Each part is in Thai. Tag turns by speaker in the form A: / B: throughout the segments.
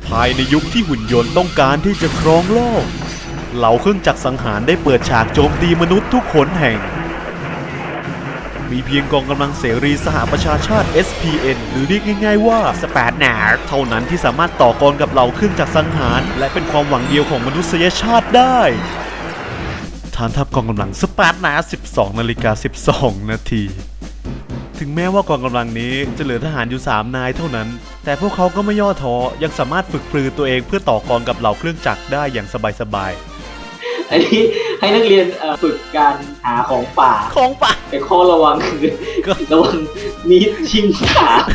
A: ภายในยุคที่หุ่นยนต์ต้องการที่จะครองโลกเหล่าเครื่องจักรสังหารได้เปิดฉากโจมตีมนุษย์ทุกขนแห่งมีเพียงกองกำลังเสรีสหประชาชาติ SPN หรือเรียกง่ายๆว่าสเปดนาร์เท่านั้นที่สามารถต่อกรกับเหล่าเครื่องจักรสังหารและเป็นความหวังเดียวของมนุษยชาติได้ฐานทัพกองกำลังสเปดนาร์ 12:12 นาทีถึงแม้ว่ากองกำลังนี้จะเหลือทหารอยู่3นายเท่านั้นแต่พวกเขาก็ไม่ย่อท้อยังสามารถฝึกปรือตัวเองเพื่อต่อกรกับเหล่าเครื่องจักรได้อย่างสบาย
B: อันนี้ให้นักเรียนฝึกการหาของป่า
A: ของป่า
B: แต่ข้อระวังคือระวังมีดชิงขา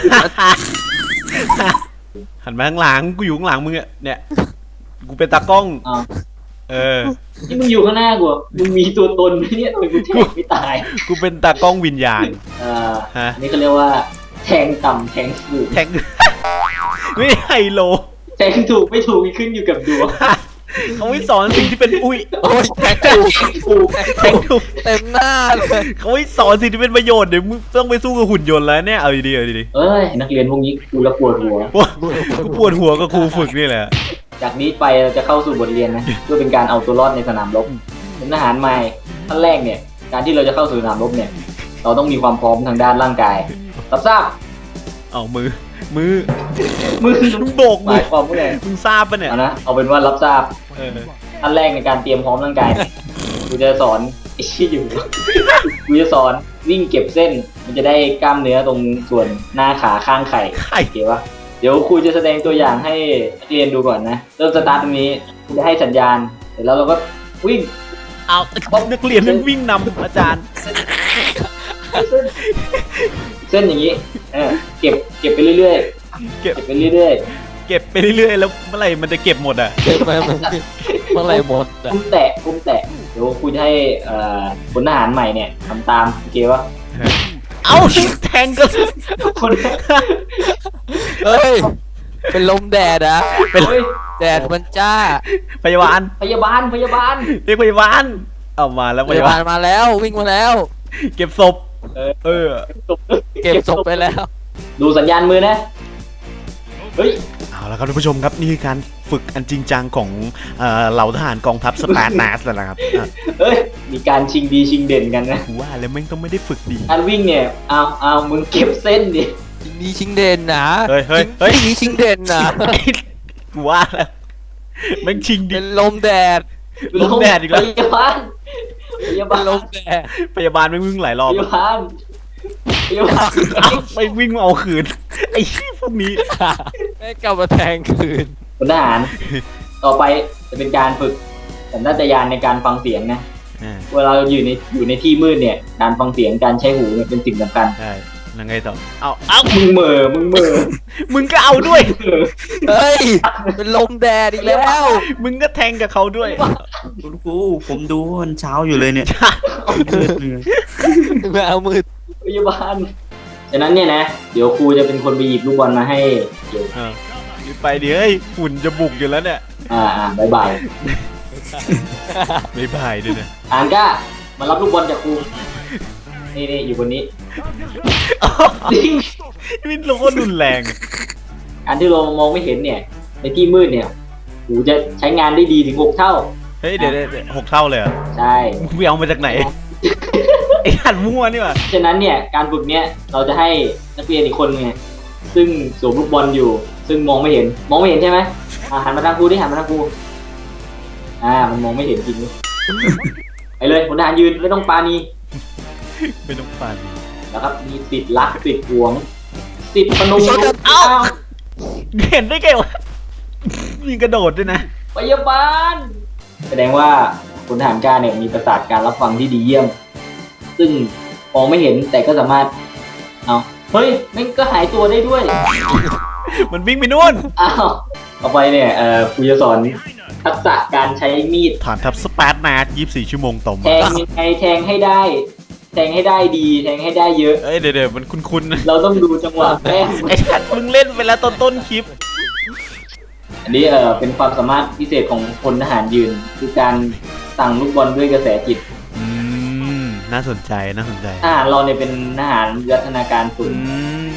A: หันมาข้างหลังกูอยู่ข้างหลังมึงเนี่ยกูเป็นตากล้อง
B: นี่มึงอยู่ข้างหน้ากูมึงมีตัวตนไหมเนี่ยทำไมกูแทงไม่ตาย
A: กูเป็นตากล้องวิญญาณ
B: นี่เขาเรียกว่าแทงต่ำแทงถูก
A: แทงไม่ไฮโล
B: แทงถูกไม่ถูกขึ้นอยู่กับดวง
A: เขาไม่สอนสิ่งที่เป็นอุ้ย
C: โอ้ยแทงถูกเต็มหน้าเลย
A: เขาไม่สอนสิ่งที่เป็นประโยชน์เดี๋ยวมึงต้องไปสู้กับหุ่นยนต์แล้วเนี่ยเอาดีๆ
B: เอ้ยนักเรียนพวกนี้กูละปวดหัว
A: กูปวดหัวกับครูฝึกนี่แหละ
B: จากนี้ไปเราจะเข้าสู่บทเรียนนะเพื่อเป็นการเอาตัวรอดในสนามรบเป็นทหารใหม่ขั้นแรกเนี่ยการที่เราจะเข้าสู่สนามรบเนี่ยเราต้องมีความพร้อมทางด้านร่างกายรับทราบ
A: เอามือ
B: มึง
A: โบกมือ
B: ความผู้ใด
A: มึงทราบปะเนี่ย
B: นะเอาเป็นว่ารับทราบขั้นแรกในการเตรียมพร้อมร่างกายกูจะสอนไอ้ชี้อยู่กูจะสอนวิ่งเก็บเส้นมันจะได้กล้ามเนื้อตรงส่วนหน้าขาข้างไข่โอเคปะเดี๋ยวครูจะแสดงตัวอย่างให้นักเรียนดูก่อนนะเริ่มสตาร์ทตรงนี้ครูจะให้สัญญาณเสร็จแล้วเราก็วิ่ง
A: เอานักเรียนมันวิ่งนำอาจารย์
B: เส้นอย่างนี้เก็บไปเรื่อยๆเก็บไปเรื่อย
A: ๆเก็บไปเรื่อยๆแล้วเมื่อไหร่มันจะเก็บหมดอ่ะ
C: เก็บไปเมื่อไหร่หมด
B: กุ้มแตะเดี๋ยวครูจะให้พลทหารใหม่เนี่ยทำตามโอเควะ
A: เอาแทงกัน
B: คน
C: เฮ้ยเป็นลมแดดอะเป็นแดดมันจ้า
A: พยาบาล
B: เรียกพยาบาล
A: เอามาแล้ว
C: พยาบาลมาแล้ววิ่งมาแล้ว
A: เก็บศพ
C: เก็บศพไปแล้ว
B: ดูสัญญาณมือนะเฮ้ย
A: เอาละครับท่านผู้ชมครับนี่คือการฝึกอันจริงจังของเหล่าทหารกองทัพสเปาร์ตัสแล้วนะครับ
B: เฮ้ยมีการชิงดีชิงเด่นกันนะ
A: ว่าแล้วแม่งต้องไม่ได้ฝึกดี
B: การวิ่งเนี่ยเอามึงเก็บเส้นดิ
C: ดีชิงเด่นนะ
A: เฮ้ย
C: ดีชิงเด่นนะ
A: ว่าแล้วแม่งชิงดี
C: เป็นลมแดด
A: อีกแล้ว
B: พยาบาล
C: ลมแดด
A: พยาบาลไม่วิ่งหลายรอบ
B: พยาบาล
A: ไม่วิ่งเอาคืนไอ้พวกนี้
C: ไม่กลับมาแทงคืน
B: พลทหารต่อไปจะเป็นการฝึกสัญชาตญาณในการฟังเสียงนะเวลาเราอยู่ในที่มืดเนี่ยการฟังเสียงการใช้หูเนี่ยเป็นสิ่งสำคัญ
A: ใช่ยังไงต่อเอา
B: มึงเหม่อ
A: มึงก็เอาด้วย
C: เฮ้ยเป็นลมแดดอีกแล้ว
A: มึงก็แทงกับเขาด้วย
D: คุณครูผมดูวันเช้าอยู่เลยเนี่ย
C: ไม่เอามืด
B: พยาบาลฉะนั้นเนี่ยนะเดี๋ยวครูจะเป็นคนไปหยิบลูกบอลมาให้เดี๋ยว
A: ไปดิเฮ้ยหุ่นจะบุกอยู่แล้วเนี่ย
B: บาย
A: ด้วยนะ
B: อ่านก้ามารับลูกบอลจากครูนี่อยู่บนนี้
A: นี่เราก็รุนแรง
B: อันที่เรามองไม่เห็นเนี่ยในที่มืดเนี่ยหูจะใช้งานได้ดีถึง6 เท่า
A: เฮ้ยเดี๋ยว6 เท่าเลยเหรอ
B: ใช่
A: มึงไปเอามาจากไหนไอ้หันมั่วนี่หว่า
B: ฉะนั้นเนี่ยการฝึกเนี้ยเราจะให้นักเรียนอีกคนไงซึ่งสวมลูกบอลอยู่ซึ่งมองไม่เห็นใช่ไหมหันมาทางครูดิหันมาทางครูมันมองไม่เห็นจริงไปเลยพลทหารยืนไม่ต้องปานีแล้วครับมีติดรักติดหวงติดพนม
A: เห็นได้ไงวะมีกระโดดด้วยนะ
B: พยาบาลแสดงว่าพลทหารกล้าเนี่ยมีประสาทการรับฟังที่ดีเยี่ยมซึ่งมองไม่เห็นแต่ก็สามารถเฮ้ยมันก็หายตัวได้ด้วย
A: มันวิ่งไปนู่น
B: ต่อไปเนี่ยครูจะสอนทักษะการใช้มีด
A: ฐานทัพสเปาร์ตัส24 ชั่วโมงต่อมา
B: แทงยังไงแทงให้ได้ดีแทงให้ได้เยอะ
A: เดี๋ยวมันคุ้น
B: ๆเราต้องดูจังหวะแม่
A: ไอ้ชัดมึงเล่นไปแล้วต้นคลิป
B: อันนี้เป็นความสามารถพิเศษของพลทหารยืนคือการสั่งลูกบอลด้วยกระแสจิต
A: น่าสนใจ
B: ทหารเราเนี่ยเป็นทหารวิวัฒนาการฝึก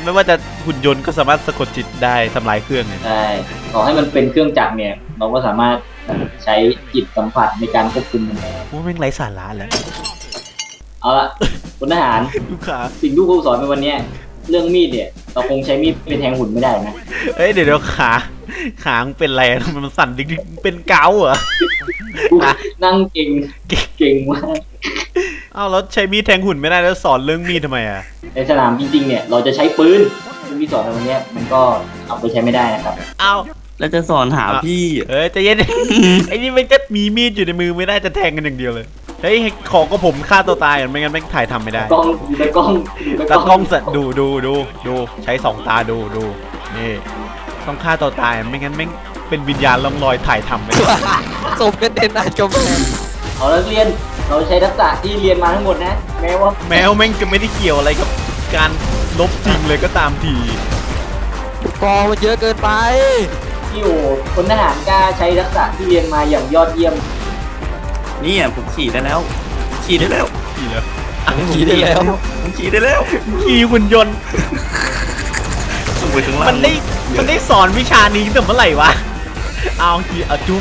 A: ไม่ว่าจะหุ่นยนต์ก็สามารถสะกดจิตได้ทำลายเครื่องเนี่ย
B: ใช่ต่อให้มันเป็นเครื่องจักรเนี่ย เราก็สามารถใช้จิตสัมผัสในการควบคุมมันได้
A: ว่าแม่งไร้สาระแล้ว
B: เอาละคุณทหาร
A: ลูกค้า
B: สิ่งที่ครูสอนในวันเนี้ยเรื่องมีดเนี่ย เราคงใช้มีดเป็นแทงหุ่นไม่ได้นะ
A: เอ้ยเดี๋ยวขามึงเป็นอะไรมันสั่นดิ๊กๆเป็นเกาเหรอ
B: กูนั่งเก่งมาก
A: อ้าวแล้วใช้มีดแทงหุ่นไม่ได้แล้วสอนเรื่องมีดทำไมอ่ะ
B: ในสนามจริงๆเนี่ย เราจะใช้ปืนซึ่งที่สอนในวันเนี้ยมันก็เอาไปใช้ไม่ได้นะครับ
A: อ้าว
D: แล้วจะสอนหาพี่
A: เอ้ยใจเย็น ไอ้นี่มันก็มีมีดอยู่ในมือไม่ได้จะแทงกันอย่างเดียวเลยเฮ้ยขอก็ผมฆ่าตัวตายไม่งั้นแม่งถ่ายทำไม่ได้
B: กล้องดูแต่กล้องดู
A: ตากล้องสัตว์ดูใช้สองตาดูนี่ต้องฆ่าตัวตายไม่งั้นแม่งเป็นวิญญาณล่องลอยถ่ายทำไม่ได้
C: สมเป็นเด่นหน้ากำแพง
B: เอาแล้วเรียนเราใช้ทักษะที่เรียนมาทั้งหมดนะ แม้ว่า
A: แมวแม่งจะไม่ได้เกี่ยวอะไรกับการลบจริงเลยก็ตามที
C: กองมันเยอะเกินไป
B: ที่โอคนทหารกล้าใช้ทักษะที่เรียนมาอย่างยอดเยี่ยม
D: นี่ผมขี่ได้แล้ว ขี่ได้แล้ว
A: ขี่เลย
C: ขี่ได้แล้ว
D: ผมขี่ได้แล้ว
A: ขี่หุ่นยนต์
D: สูงไปข้างล่าง
A: มันได้สอนวิชานี้ตั้งแต่เมื่อไหร่วะเอาขี่เอาจุ้ง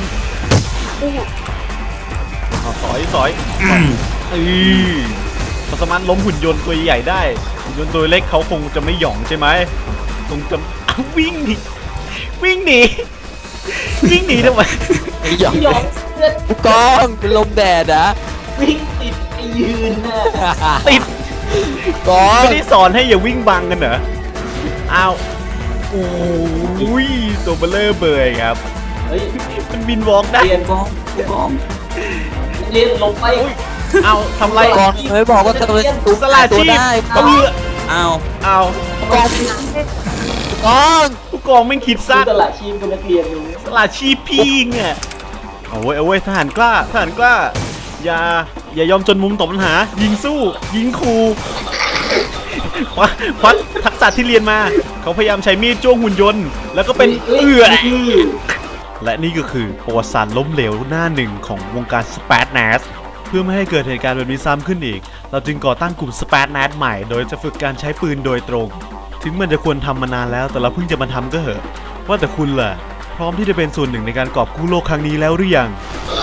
A: เอาสอยเขาสามารถล้มหุ่นยนต์ตัวใหญ่ได้หุ่นยนต์ตัวเล็กเขาคงจะไม่หย่องใช่ไหมคงจะวิ่งหนีวิ่งหนีทำไม
C: ไอ้หยอง
B: ยอมเลือด
C: ผู้กองเป็นลมแดดนะ
B: วิ่งติดไอ้ยืนน่ะ
A: ติด
C: กอง
A: ไม่ได้สอนให้อย่าวิ่งบังกันเหรออ้าวอุ้ยตัวเบลเลอร์เบยครับ
B: เฮ้ย
A: มันบินวอล์กได้
B: เรียน
D: กองกอง
B: เรียนลงไป
A: อุ้ยเอาทำไร
C: กองเคยบอกว่าจะเป็นตุ๊ก
A: สลา
C: ตัว
A: ชีพ
C: ได้
A: เอาเรือ
D: อ้าว
A: เอา
C: กองกอง
A: ผู้กองไม่งคิด
B: ดู
A: สั้น
B: ตลาดชีพเป็นนักเรียนดู
A: สลาชีพพิงอ่ะเอาเว้ยทหารกล้าอย่ายอมจนมุมตอบปัญหา ยิงสู้ยิงคูควัดทักษะที่เรียนมา เขาพยายามใช้มีดจ้วงหุ่นยนต์ แล้วก็เป็นและนี่ก็คือประวัติศาสตร์ล้มเหลวหน้าหนึ่งของวงการสเปซแนสเพื่อไม่ให้เกิดเหตุการณ์แบบนี้ซ้ำขึ้นอีก เราจึงก่อตั้งกลุ่มสเปซแนสใหม่ โดยจะฝึกการใช้ปืนโดยตรง ถึงมันจะควรทำมานานแล้วแต่เราเพิ่งจะมาทำก็เหอะว่าแต่คุณล่ะ พร้อมที่จะเป็นส่วนหนึ่งในการกอบกู้โลกครั้งนี้แล้วหรือยัง
B: โอ้